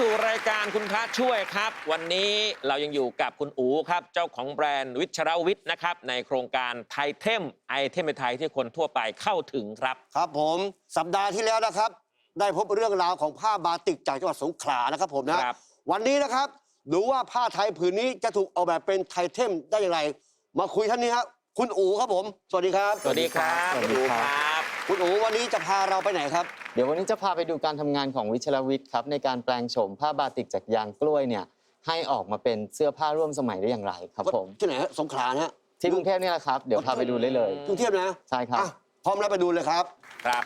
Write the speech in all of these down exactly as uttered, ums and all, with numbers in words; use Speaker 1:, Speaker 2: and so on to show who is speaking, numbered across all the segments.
Speaker 1: สู่รายการคุณพระช่วยครับวันนี้เรายังอยู่กับคุณอู๋ครับเจ้าของแบรนด์วิชรวิทย์นะครับในโครงการไทเทมไอเทมไทยที่คนทั่วไปเข้าถึงครับ
Speaker 2: ครับผมสัปดาห์ที่แล้วนะครับได้พบเรื่องราวของผ้าบาติกจากจังหวัดสงขลานะครับผมนะวันนี้นะครับดูว่าผ้าไทยผืนนี้จะถูกออกแบบเป็นไทเทมได้อย่างไรมาคุยท่านนี้ครับคุณอู๋ครับผมสวัสดีครับ
Speaker 1: สวัสดีครับคุณอู๋ครับ
Speaker 2: คุณอู๋วันนี้จะพาเราไปไหนครับ
Speaker 3: เดี๋ยววันนี้จะพาไปดูการทำงานของวิชรวิทย์ครับในการแปลงโฉมผ้าบาติกจากยางกล้วยเนี่ยให้ออกมาเป็นเสื้อผ้าร่วมสมัยได้อย่างไรครับผม
Speaker 2: ที่ไหนฮะสงขลาฮะ
Speaker 3: ที่กรุงเทพนี่แหละครับเดี๋ยวพาไปดูได้เลย
Speaker 2: กรุงเทพนะ
Speaker 3: ใช่ครับ
Speaker 2: พร้อมแล้วไปดูเลยครับ
Speaker 1: ครับ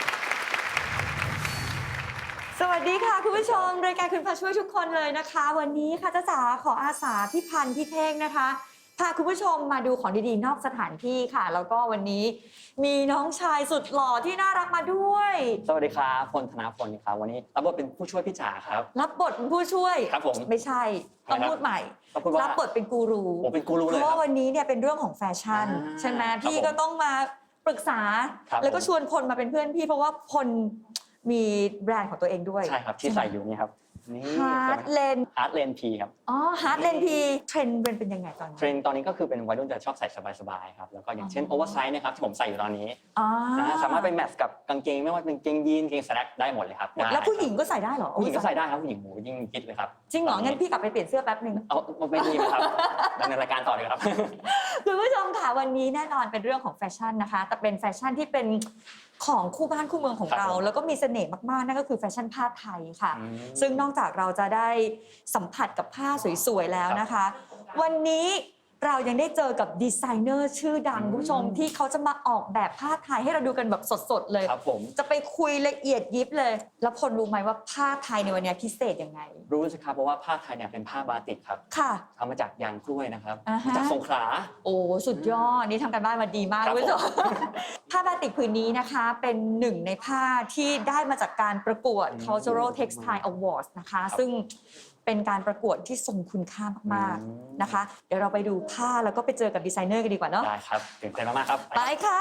Speaker 4: สวัสดีค่ะคุณผู้ชมรายการคุณพระช่วยทุกคนเลยนะคะวันนี้ค่ะจ้าจ๋าขออาสาพี่พันธ์พี่เท่งนะคะพาคุณผู้ชมมาดูของดีๆนอกสถานที่ค่ะแล้วก็วันนี้มีน้องชายสุดหล่อที่น่ารักมาด้วย
Speaker 5: สวัสดีครับพลธนาพลครับวันนี้รับบทเป็นผู้ช่วยพี่จ๋าครับ
Speaker 4: รับบทเป็นผู้ช่วย
Speaker 5: ครับผม
Speaker 4: ไม่ใช่ต้องพูดใหม่รับบทเป็นกูรู
Speaker 5: ผมเป็นกูรูเลย
Speaker 4: เพราะว่าวันนี้เนี่ยเป็นเรื่องของแฟชั่นใช่ไหมพี่ก็ต้องมาปรึกษาแล้วก็ชวนพลมาเป็นเพื่อนพี่เพราะว่าพลมีแบรนด์ของตัวเองด้วย
Speaker 5: ใช่ครับที่ใส่อยู่นี่ครับ
Speaker 4: ฮาร์ดเลน
Speaker 5: ฮาร์ดเลนพีครับ
Speaker 4: อ๋อฮาร์ดเลนพีเทรนด์เป็นเป็นยังไงตอนนี้
Speaker 5: เทรนด์ตอนนี้ก็คือเป็นวัยรุ่นจะชอบใส่สบายๆครับแล้วก็อย่างเช่นโอเวอร์ไซส์นะครับที่ผมใส่อยู่ตอนนี้นะสามารถไปแมทช์กับกางเกงไม่ว่าเป็นกางเกงยีนกางเกงสแลกได้หมดเลยครับ
Speaker 4: แล้วผู้หญิงก็ใส่ได้เหรอ
Speaker 5: ผู้หญิงก็ใส่ได้ครับผู้หญิงหมูยิ่งคิดเลยครับ
Speaker 4: จริงเหรองั้นพี่กลับไปเปลี่ยนเสื้อแป๊บนึง
Speaker 5: เอาไม่ดีนะครับดำเนินรายการต่อเลยครับ
Speaker 4: คุณผู้ชมค่ะวันนี้แน่นอนเป็นเรื่องของแฟชั่นนะคะแต่เป็นแฟชั่นที่เป็นของคู่บ้านคู่เมืองของเราแล้วก็มีเสน่ห์มากๆนั่นก็คือแฟชั่นผ้าไทยค่ะซึ่งนอกจากเราจะได้สัมผัสกับผ้าสวยๆแล้วนะคะวันนี้เรายังได้เจอกับดีไซเนอร์ชื่อดังคุณผู้ชมที่เขาจะมาออกแบบผ้าไทยให้เราดูกันแบบสดๆเลย
Speaker 5: ครับผม
Speaker 4: จะไปคุยละเอียดยิบเลยแล้วพลรู้ไหมว่าผ้าไทยในวันนี้พิเศษยังไง
Speaker 5: รู้สิครับเพราะว่าผ้าไทยเนี่ยเป็นผ้าบาติกครับ
Speaker 4: ค่ะ
Speaker 5: ทำมาจากยางกล้วยนะครับมาจากสงขลา
Speaker 4: โอ้สุดยอดนี่ทำกันบ้านมาดีมากคุณผู้ชมผ้าบาติกผืนนี้นะคะเป็นหนึ่งในผ้าที่ได้มาจากการประกวด Cultural Textile Awards นะคะซึ่งเป็นการประกวดที่ทรงคุณค่ามากๆนะคะเดี๋ยวเราไปดูผ้าแล้วก็ไปเจอกับดีไซเนอร์กันดีกว่าเนาะ
Speaker 5: ได้ครับตื่นเต้นมากๆครับ
Speaker 4: ไปค่ะ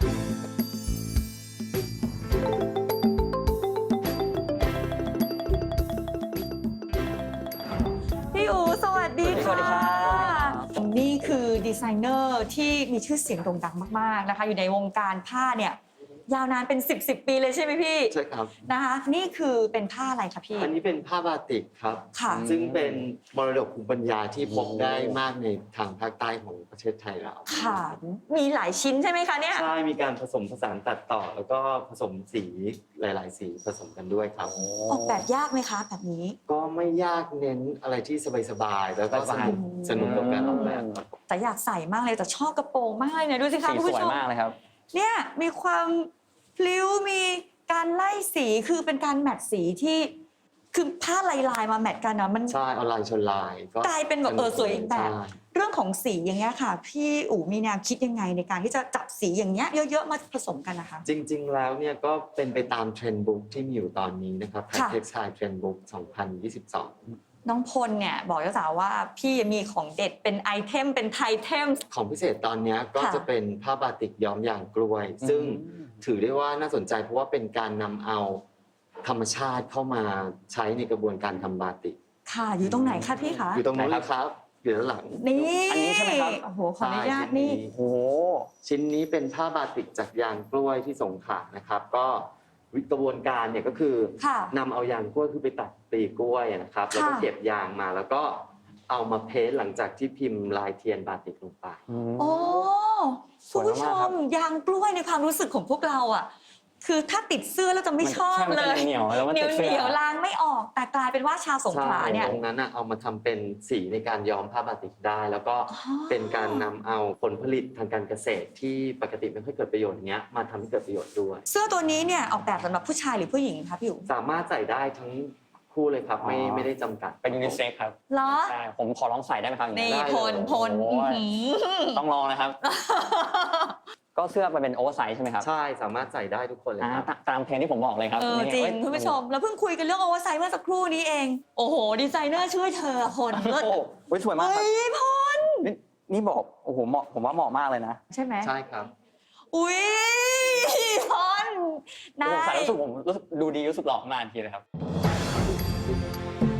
Speaker 4: พี่อู๋สวัสดีค่ะ
Speaker 5: สวัสดีครับ
Speaker 4: นี่คือดีไซเนอร์ที่มีชื่อเสียงโด่งดังมากๆนะคะอยู่ในวงการผ้าเนี่ยยาวนานเป็นสิบ สิบปีเลยใช่ไหมพี่
Speaker 3: ใช่ครับ
Speaker 4: นะคะนี่คือเป็นผ้าอะไรคะพี่
Speaker 3: อันนี้เป็นผ้าบาติกครับซึ่งเป็นมรดกภูมิปัญญาที่พบได้มากในทางภาคใต้ของประเทศไทยเรา
Speaker 4: ค่ะมีหลายชิ้นใช่ไหมคะเนี่ย
Speaker 3: ใช่มีการผสมผสานตัดต่อแล้วก็ผสมสีหลายๆสีผสมกันด้วยครับ
Speaker 4: ออกแบบยากไหมคะแบบนี้
Speaker 3: ก็ไม่ยากเน้นอะไรที่สบายๆแล้วก็สนุกสนุกกับการออกแบบ
Speaker 4: แต่อยากใส่มากเลยแต่ชอบกระโปรงมากเลยดูสิคะคุณผู้ชม
Speaker 5: สวยมากเลยครับ
Speaker 4: เนี่ยมีความพลิ้วมีการไล่สีคือเป็นการแมทสีที่คือผ้าลายๆมาแมทกันนะมัน
Speaker 3: ใช่เอาลายชนลาย
Speaker 4: ก็กลายเป็นแบบเออสวยอีกแบบเรื่องของสีอย่างเงี้ยค่ะพี่อู๋มีแนวคิดยังไงในการที่จะจับสีอย่างเงี้ยเยอะๆมาผสมกันนะคะ
Speaker 3: จริงๆแล้วเนี่ยก็เป็นไปตามเทรนด์บุ๊กที่มีอยู่ตอนนี้นะครับ Textile Trend Book สองพันยี่สิบสอง
Speaker 4: น้องพลเนี่ยบอกเจ้าสาวว่าพี่มีของเด็ดเป็นไอเทมเป็นไทเทม
Speaker 3: ของพิเศษตอนนี้ก็จะเป็นผ้าบาติกย้อมยางกล้วยซึ่งถือได้ว่าน่าสนใจเพราะว่าเป็นการนำเอาธรรมชาติเข้ามาใช้ในกระบวนการทำบาติก
Speaker 4: ค่ะอยู่ตรงไหนคะพี่คะ
Speaker 3: อยู่ตรงนู้นครับอยู่ด้านหลัง
Speaker 4: นี่
Speaker 5: อันนี้ใช่ไหมครับ
Speaker 4: โอ้โหขออนุญาตนี่
Speaker 5: โอ้
Speaker 3: ชิ้นนี้เป็นผ้าบาติกจากยางกล้วยที่สงขลานะครับก็กระบวนการเนี่ยก็คือนำเอายางกล้วยคือไปตัดปลีกล้วยนะครับแล้วก็เก็บยางมาแล้วก็เอามาเพ้นท์หลังจากที่พิมพ์ลายเทียนบาติกลงไป
Speaker 4: โอ้คุณผู้ชมยางกล้วยในความรู้สึกของพวกเราอ่ะคือถ้าติดเสื้อแล้วจะไม่ชอบเลย
Speaker 5: เหนียวแล้วมันติดเสื้อ
Speaker 4: เหนียวล้างไม่ออกแต่กลายเป็นว่าชาวสงขลาเนี่ย
Speaker 3: ตรงนั้นเอามาทำเป็นสีในการย้อมผ้าบาติกได้แล้วก็เป็นการนำเอาผลผลิตทางการเกษตรที่ปกติไม่ค่อยเกิดประโยชน์อย่างเงี้ยมาทำให้เกิดประโยชน์ด้วย
Speaker 4: เสื้อตัวนี้เนี่ยออกแบบสำหรับผู้ชายหรือผู้หญิงคะพี่อู๋
Speaker 3: สามารถใส่ได้ทั้งคู่เลยครับไม่ไม่ได้จำกัด
Speaker 5: เป็นยูนิเซ็กครับ
Speaker 4: เหรอ
Speaker 5: ใช่ผมขอลองใส่ได้ไหมครับ
Speaker 4: นี่พลพล
Speaker 5: ต้องลองนะครับก็เสื้อมันเป็นโอเวอร์ไซส์ใช่ไหมครับ
Speaker 3: ใช่สามารถใส่ได้ทุกคนเลยครับ
Speaker 5: ตามเทรนด์ที่ผมบอกเลยครับ
Speaker 4: เออจริงคุณผู้ชมเราเพิ่งคุยกันเรื่องโอเวอร์ไซส์เมื่อสักครู่นี้เองโอ้โหดีไซเนอร์ช่วยเธอพล
Speaker 5: โอ้โหสวยมากครับ
Speaker 4: เฮ้ยพล
Speaker 5: นี่บอกโอ้โหเหมาะผมว่าเหมาะมากเลยนะ
Speaker 4: ใช่ไหม
Speaker 3: ใช่ครับ
Speaker 4: อุ้ยพล
Speaker 5: ผมใส่รู้สึกผมรู้สึกดูดีรู้สึกหล่อมากทีเลยครับ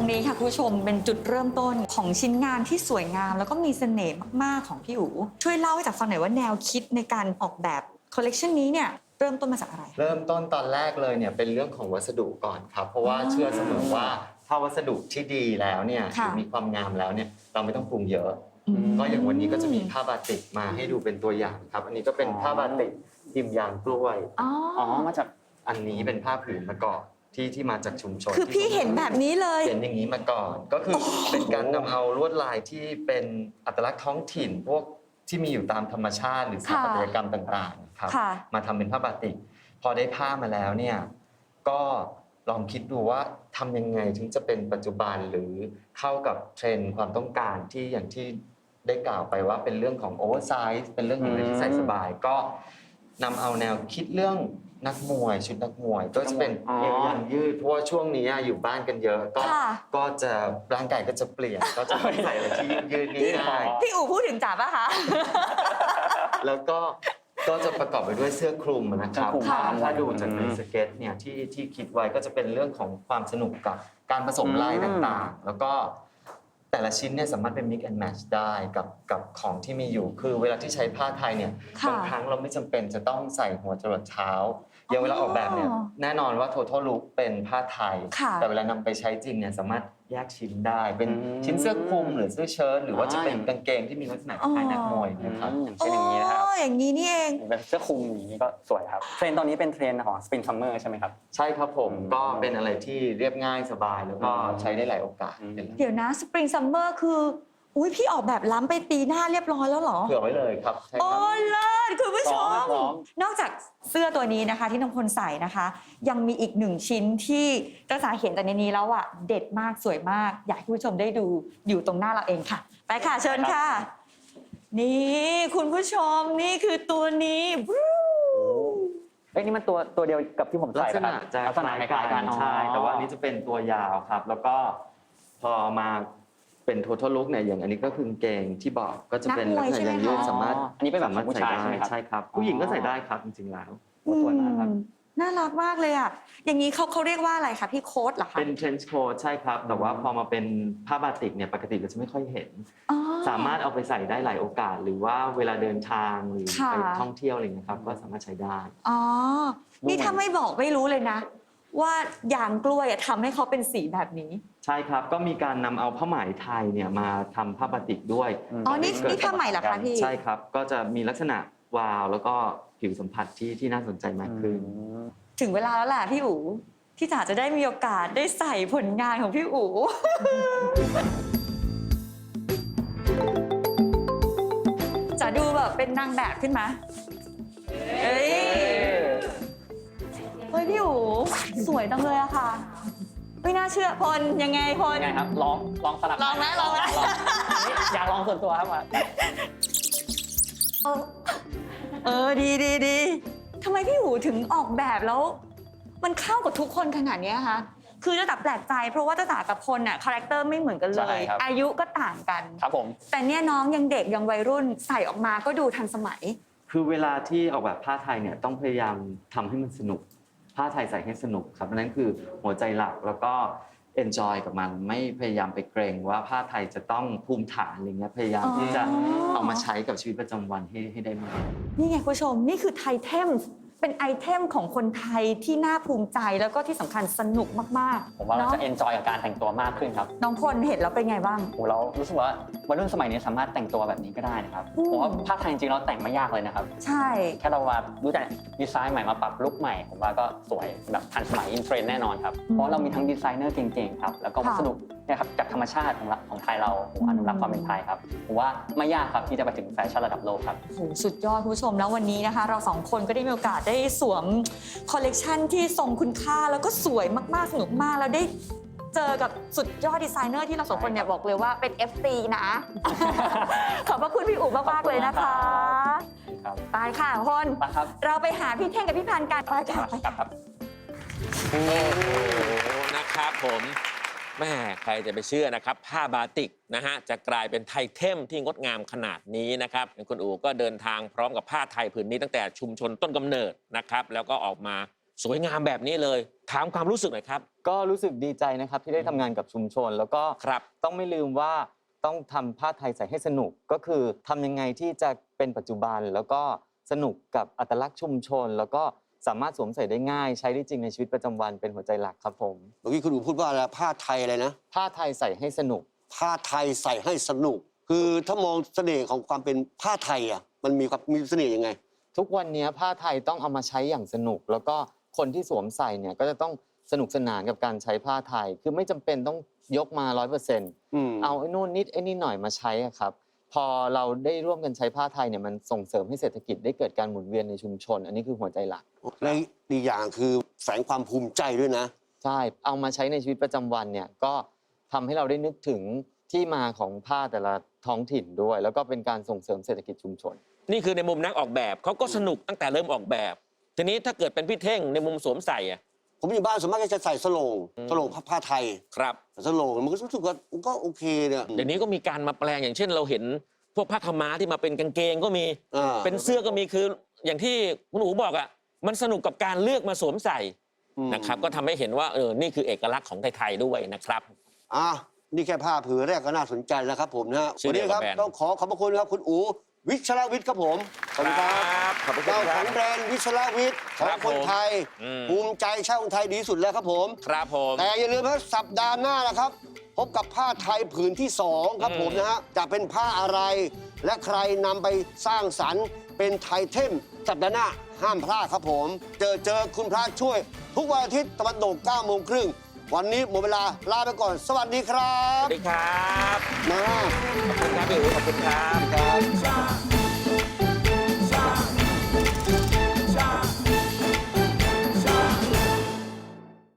Speaker 4: นี้ค่ะคุณผู้ชมเป็นจุดเริ่มต้นของชิ้นงานที่สวยงามแล้วก็มีเสน่ห์มากๆของพี่อู๋ช่วยเล่าให้จากฟังหน่อยว่าแนวคิดในการออกแบบคอลเลกชันนี้เนี่ยเริ่มต้นมาจากอะไร
Speaker 3: เริ่มต้นตอนแรกเลยเนี่ยเป็นเรื่องของวัสดุก่อนครับเพราะว่า
Speaker 4: อ๋อ
Speaker 3: เชื่อเสมอว่าถ้าวัสดุที่ดีแล้วเนี่ยห
Speaker 4: ค่ะ
Speaker 3: รือมีความงามแล้วเนี่ยเราไม่ต้องปรุงเยอะ
Speaker 4: อืม
Speaker 3: ก็อย่างวันนี้ก็จะมีผ้าบาติกมาให้ดูเป็นตัวอย่างครับ อันนี้ก็เป็นผ้าบาติกพิมพ์ยางกล้วย
Speaker 4: อ๋อ
Speaker 5: อ๋อมาจาก
Speaker 3: อันนี้เป็นผ้าผืนมะกอกที่ที่มาจากชุมชน
Speaker 4: คือพี่เห็นแบบนี้เลย
Speaker 3: เห็นอย่างนี้มาก่อน ก็คือเป็นการนำเอาลวดลายที่เป็นอัตลักษณ์ท้องถิ่น พวกที่มีอยู่ตามธรรมชาติหรือสถาปัตยกรรมต่างๆครับ
Speaker 4: ค่ะ
Speaker 3: มาทำเป็นผ้าบาติก พอได้ผ้ามาแล้วเนี่ยก็ลองคิดดูว่าทำยังไงถึงจะเป็นปัจจุบันหรือเข้ากับเทรนด์ความต้องการที่อย่างที่ได้กล่าวไปว่าเป็นเรื่องของโอเวอร์ไซส์เป็นเรื่องของอะไรที่ใส่สบาย ก็นำเอาแนวคิดเรื่องนักมวยชุดนักมวย ก็จะเป็น
Speaker 5: อ๋อ
Speaker 3: เอวยางยืดเพราะว่าช่วงนี้อยู่บ้านกันเยอะ ก็
Speaker 4: ค่ะ
Speaker 3: ก็จะร่างกายก็จะเปลี่ยนก็จะไม่ใส่อะไรที่ยืดๆง่าย
Speaker 4: พี่อู๋พูดถึงจ๋าป่ะคะ
Speaker 3: ๆแล้วก็ก็จะประกอบไปด้วยเสื้อคลุมนะครับ
Speaker 5: เสื้อคลุม
Speaker 3: ถ้า
Speaker 5: ค่ะ
Speaker 3: ถ้าดูจากในสเก็ตเนี่ยที่ที่คิดไว้ก็จะเป็นเรื่องของความสนุกกับการผสมลายต่างๆ แล้วก็แต่ละชิ้นเนี่ยสามารถเป็น mix and match ได้กับกับของที่มีอยู่ คือเวลาที่ใช้ผ้าไทยเนี่ย
Speaker 4: ค่ะ
Speaker 3: บางครั้งเราไม่จำเป็นจะต้องใส่หัวจรดเท้าอย่างเวลาออกแบบเนี่ย
Speaker 4: อ๋อ
Speaker 3: แน่นอนว่า total look เป็นผ้าไทย
Speaker 4: ค่ะ
Speaker 3: แต่เวลานำไปใช้จริงเนี่ยสามารถแยกชิ้นได้ เป็น
Speaker 5: อืม
Speaker 3: ชิ้นเสื้อคลุมหรือเสื้อเชิ้ตหรือว่าจะเป็น
Speaker 5: อ๋อ
Speaker 3: กางเกงที่มีลักษณะคล้ายนักมวยนะครับ
Speaker 5: อย่างเช่นอย่างนี้นะครับ
Speaker 4: โอ้อย่างนี้นี่เอง
Speaker 5: เป็นเสื้อคลุมอย่างนี้ก็สวยครับเทรนด์ตอนนี้เป็นเทรนด์ของ Spring Summer ใช่ไหมครับ
Speaker 3: ใช่ครับผม
Speaker 5: อืม
Speaker 3: ก็เป็นอะไรที่เรียบง่ายสบายแล้วก็
Speaker 5: อืม
Speaker 3: ใช้ได้หลายโอกาส
Speaker 5: อืม
Speaker 3: เป็นแล้ว
Speaker 4: เดี๋ยวนะสปริงซัมเมอร์คือ อุ้ยพี่ออกแบบล้ำไปปีหน้าเรียบร้อยแล้วเหรอ
Speaker 3: เผื่อไว้เลยครับใช่
Speaker 4: โอ้
Speaker 3: ครับ
Speaker 4: เลิศคุณผู้ช
Speaker 5: พร้อ
Speaker 4: ม
Speaker 5: มพร้อม
Speaker 4: นอกจากเสื้อตัวนี้นะคะที่น้องพลใส่นะคะ ยังมีอีกหนึ่งชิ้นที่เจ้าสาเห็นแต่ในนี้แล้วอ่ะเด็ดมากสวยมาก อยากให้คุณผู้ชมได้ดูอยู่ตรงหน้าเราเองค่ะ ไปค่ะเชิญค่ะ นี่คุณผู้ชมนี่คือตัวนี้บรู
Speaker 5: เอ้ยนี่มันตัวตัวเดียวกับที่ผม
Speaker 3: ลั
Speaker 5: ใส่
Speaker 3: กษ
Speaker 5: ปะค
Speaker 3: ณะ
Speaker 5: รับ
Speaker 3: จะ
Speaker 5: ลักษณะคล้ายๆกัน
Speaker 3: ใช่
Speaker 5: อ๋อ
Speaker 3: แต่ว่าอันนี้จะเป็นตัวยาวครับ แล้วก็พอมาเป็น total look เนี่ยอย่างอันนี้ก็คือกางเกงที่บอกก็จะเป็นลักษณะยางยืดสามารถ
Speaker 5: อันนี้เป็นแบบ
Speaker 3: สามารถ
Speaker 5: ผู้
Speaker 3: ใส่
Speaker 5: ชาย
Speaker 3: ได้
Speaker 5: ใช่ไหมครับ
Speaker 3: ใช่ครับ ผู้หญิงก็ใส่ได้ครับจริงๆแล้ว
Speaker 5: โอ้สวยมากครับ
Speaker 4: อืมน่ารักมากเลยอ่ะอย่างนี้เขาเขาเรียกว่าอะไรคะพี่โค้ดเหรอคะ
Speaker 3: เป็น trench coat ใช่ครับ แต่ว่าพอมาเป็นผ้าบาติกเนี่ยปกติเราจะไม่ค่อยเห็น
Speaker 4: อ๋อ
Speaker 3: สามารถเอาไปใส่ได้หลายโอกาส หรือว่าเวลาเดินทางหรือ
Speaker 4: ค่ะ
Speaker 3: ไปท่องเที่ยวอะไรอย่างเงี้ยครับก็สามารถใช้ได้
Speaker 4: อ๋อ นี่ถ้าไม่บอกไม่รู้เลยนะ ว่ายางกล้วยอะทำให้เขาเป็นสีแบบนี้
Speaker 3: ใช่ครับ ก็มีการนำเอาผ้าไหมไทยเนี่ยมาทำผ้าบาติกด้วย
Speaker 4: อ๋อ นี่นี่ผ้าไหมเหรอคะพี่
Speaker 3: ใช่ครับ ก็จะมีลักษณะวาวแล้วก็ผิวสัมผัสที่ที่น่าสนใจมากขึ้น
Speaker 4: ถึงเวลาแล้วแหละพี่อู๋ที่จ๋าจะได้มีโอกาสได้ใส่ผลงานของพี่อู๋ จะดูแบบเป็นนางแบบขึ้นมาเฮ้ย เฮ้ยพี่อู๋สวยจังเลยอะค่ะ ไม่น่าเชื่อพลยังไงพล
Speaker 5: ยังไงครับลองลองสลับ
Speaker 4: ลองไหมลองไหม
Speaker 5: อยากลองส่วนตัวครับว่า
Speaker 4: เออดีดีดีทำไมพี่อู๋ถึงออกแบบแล้ว มันเข้ากับทุกคนขนาดเนี้ยคะคือจะตับแปลกใจเพราะว่าจะจ๋ากับพลน่ะคาแรคเตอร์ไม่เหมือนกันเล
Speaker 5: ใช่
Speaker 4: ย
Speaker 5: ครับ
Speaker 4: อายุก็ต่างกัน
Speaker 5: ครับผม
Speaker 4: แต่เนี่ยน้องยังเด็กยังวัยรุ่นใส่ออกมาก็ดูทันสมัย
Speaker 3: คือเวลาที่ออกแบบผ้าไทยเนี่ยต้องพยายามทำให้มันสนุก ผ้าไทยใส่ให้สนุกครับนั่นคือหัวใจหลักแล้วก็ enjoy กับมันไม่พยายามไปเกรงว่าผ้าไทยจะต้องภูมิฐานอะไรเงี้ยพยายามที่จะ
Speaker 4: อ๋อ
Speaker 3: เอามาใช้กับชีวิตประจำวันให้ให้ได้มาก
Speaker 4: นี่ไงคุณผู้ชมนี่คือไทเทมเป็นไอเทมของคนไทยที่น่าภูมิใจแล้วก็ที่สำคัญสนุกมาก
Speaker 5: ผมว่า
Speaker 4: ๆ
Speaker 5: เรา
Speaker 4: เนาะ
Speaker 5: จะเอนจอยกับการแต่งตัวมากขึ้นครับ
Speaker 4: น้องพลเห็นแล้วเป็นไงบ้าง
Speaker 5: โอ้เรารู้สึกว่าวัยรุ่นสมัยนี้สามารถแต่งตัวแบบนี้ก็ได้นะครับ
Speaker 4: อืม
Speaker 5: ผมว่าผ้าไทยจริงๆเราแต่งไม่ยากเลยนะครับ
Speaker 4: ใช่
Speaker 5: แค่เราว่ารู้จักดีไซน์ใหม่มาปรับลุคใหม่ ผมว่าก็สวยแบบทันสมัยอินเทรนด์แน่นอนครับ เพราะเรามีทั้งดีไซเนอร์เก่งๆครับแล้วก็วัสดุเนี่ยครับจากธรรมชาติของเราของไทยเราผมอนุรักษ์ความเป็นไทยครับผมว่าไม่ยากครับที่จะไปถึงแฟชั่นระดับโลกครับ
Speaker 4: โอ้โหสุดยอดคุณผู้ชมแล้ววันนี้นะคะ เราสองคนก็ได้มีโอกาสได้สวมคอลเลกชันที่ทรงคุณค่าแล้วก็สวยมากๆสนุกมากแล้วได้เจอกับสุดยอดดีไซเนอร์ที่เราสองคนเนี่ยบอกเลยว่าเป็น เอฟ ซี นะ ขอบพระคุณพี่อู๋มากๆเลยนะคะ
Speaker 5: ครับ
Speaker 4: ไปค่ะพล
Speaker 5: ไปครับ
Speaker 4: เราไปหาพี่เท่งกับพี่พันธุ์กันไปค่ะไป
Speaker 5: กลับครับ
Speaker 1: โอ้โหนะครับผมแม่ใครจะไปเชื่อนะครับผ้าบาติกนะฮะจะกลายเป็นไทเทมที่งดงามขนาดนี้นะครับคุณอู๋ก็เดินทางพร้อมกับผ้าไทยผืนนี้ตั้งแต่ชุมชนต้นกำเนิดนะครับแล้วก็ออกมาสวยงามแบบนี้เลยถามความรู้สึกหน่อยครับ
Speaker 3: ก็รู้สึกดีใจนะครับที่ได้ทำงานกับชุมชน แล้วก็
Speaker 1: ครับ
Speaker 3: ต้องไม่ลืมว่าต้องทำผ้าไทยใส่ให้สนุกก็คือทำยังไงที่จะเป็นปัจจุบัน แล้วก็สนุกกับอัตลักษณ์ชุมชน แล้วก็สามารถสวมใส่ได้ง่าย ใช้ได้จริงในชีวิตประจำวันเป็นหัวใจหลักครับผม
Speaker 2: เมื่อกี้คุณอู๋พูดว่าอะไรผ้าไทยอะไรนะ
Speaker 3: ผ้าไทยใส่ให้สนุก
Speaker 2: ผ้าไทยใส่ให้สนุก คือถ้ามองเสน่ห์ของความเป็นผ้าไทยอ่ะมันมีความมีเสน่ห์ยังไง
Speaker 3: ทุกวันนี้ผ้าไทยต้องเอามาใช้อย่างสนุก แล้วก็คนที่สวมใส่เนี่ยก็จะต้องสนุกสนานกับการใช้ผ้าไทย คือไม่จำเป็นต้องยกมาร้อยเปอร์เซ็นต์
Speaker 2: อืม
Speaker 3: เอาไอ้นู่นนิดไอ้นี่หน่อยมาใช้อะครับ พอเราได้ร่วมกันใช้ผ้าไทยเนี่ยมันส่งเสริมให้เศรษฐกิจได้เกิดการหมุนเวียนในชุมชน อันนี้คือหัวใจหลัก
Speaker 2: และอีกอย่างคือแฝงความภูมิใจด้วยนะ
Speaker 3: ใช่ เอามาใช้ในชีวิตประจำวันเนี่ยก็ทำให้เราได้นึกถึงที่มาของผ้าแต่ละท้องถิ่นด้วย แล้วก็เป็นการส่งเสริมเศรษฐกิจชุมชน
Speaker 1: นี่คือในมุมนักออกแบบเขาก็สนุกตั้งแต่เริ่มออกแบบ ทีนี้ถ้าเกิดเป็นพี่เท่งในมุมสวมใส่อะ
Speaker 2: ผมอยู่บ้านส่วนมากจะใส่สโลง
Speaker 1: อืม
Speaker 2: สโลงผ้าผ้าไทย
Speaker 1: ครับ
Speaker 2: สโลงมันก็รู้สึกว่ามันก็โอเคเนี่ย
Speaker 1: เดี๋ยวนี้ก็มีการมาแปลงอย่างเช่นเราเห็นพวกผ้าขาวม้าที่มาเป็นกางเกงก็มี
Speaker 2: อ่า
Speaker 1: เป็นเสื้อก็มีคืออย่างที่คุณหนูบอกอ่ะมันสนุกกับการเลือกมาสวมใส่
Speaker 2: อืม
Speaker 1: นะครับก็ทำให้เห็นว่าเออนี่คือเอกลักษณ์ของไทยๆด้วยนะครับ
Speaker 2: อ่ะนี่แค่ผ้าผืนแรกก็น่าสนใจแล้วครับผมนะฮะ
Speaker 1: ชื่อ
Speaker 2: วันนี้ครับ
Speaker 1: เดียวกับแบรนด์
Speaker 2: ต้องขอขอบพระคุณครับคุณอู๋วิชรวิทย์ครับผมขอบคุณครับ
Speaker 1: ขอบคุณค
Speaker 2: เจ้า
Speaker 1: รั
Speaker 2: ของ
Speaker 1: บ
Speaker 2: แบรนด์วิชรวิทย์ข
Speaker 1: ค
Speaker 2: อ
Speaker 1: รั
Speaker 2: ง
Speaker 1: บ
Speaker 2: คน
Speaker 1: ผม
Speaker 2: ไทย
Speaker 1: อืม
Speaker 2: ภูมิใจชาติคนไทยดีที่สุดแล้วครับผม
Speaker 1: ครับผม
Speaker 2: แต่อย่าลืมครับสัปดาห์หน้านะครับ พบกับผ้าไทยผืนที่สองครับ
Speaker 1: อืม
Speaker 2: ผมนะฮะจะเป็นผ้าอะไร และใครนำไปสร้างสรรค์เป็นไทเทมสัปดาห์หน้าห้ามพลาดครับผม เจอเจอคุณพระช่วย ทุกวันอาทิตย์ตะวันตกเก้าโมงครึ่งวันนี้หมดเวลาลาไปก่อน สวัสดีครั
Speaker 1: ส
Speaker 2: บ
Speaker 1: วัสดีครับ
Speaker 2: มา
Speaker 1: ขอบคุณครับพี่อู๋ขอบคุณครับ
Speaker 2: ครับ